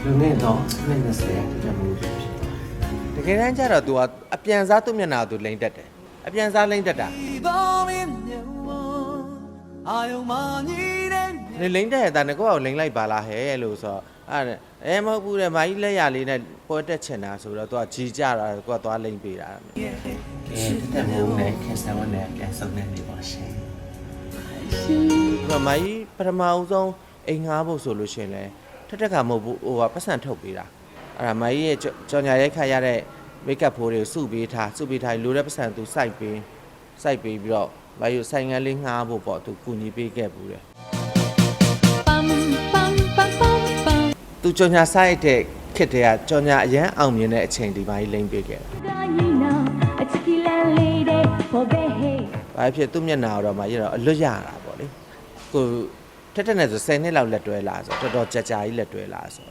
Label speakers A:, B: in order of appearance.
A: လူနဲ့တော့နဲ့နဲ့ဆရာတမှုဖြစ်သွား
B: တကယ်တမ်းကျတော့ तू အပြန်စားသူ့မျက်နှာကို तू လိမ့်တက်တယ်အပြန်စားလိမ့်တက်တာနေလိမ့်တက်ရတာငါကလိမ့်လိုက်ပါလားဟဲ့လို့ဆိုတော့အဲ့မဟုတ်ဘူးတဲ့မာကြီးလက်ရလေးနဲ့ပွဲတက်ချင်တာဆိုတော့ तू ကြီးကြတာကိုကသွားလိမ့်ပေးတာ
A: ကဲတမှုနဲ့ခင်ဆာဝန်နဲ့ပြန်ဆုံးနေပြီပါရှင်
B: ဒီမာကြီးပထမဦးဆုံးအိမ်ငှားဖို့ဆိုလို့ရှိရင်လဲထက်ကမဟုတ်ဘူးဟိုကပတ်စံထုတ်ပေးတာအဲ့ဒါမာကြီးရဲ့ကြော်ညာရိုက်ခတ်ရတဲ့မိတ်ကပ်ဖိုးတွေကိုစုပေးထားလိုတဲ့ပတ်စံ तू စိုက်ပေးပြီးတော့မာကြီးဆိုင်ငန်းလေးငှားဖို့ပေါ့ तू ကူညီပေးခဲ့ဘူးတဲ့သူကြော်ညာစိုက်တဲ့ခစ်တဲ့ကကြော်ညာအရန်အောင်မြင်တဲ့အချိန်ဒီမာကြီးလိမ့်ပေးခဲ့တယ်ဘာဖြစ်သူ့မျက်နှာတော့မာကြီးတော့အလွတ်ရတာပေါ့လေကိုထက်နဲ့ဆို10နှစ်လောက်လက်တွဲလာဆိုတော်တော်ကြာကြီးလက်တွဲလာဆို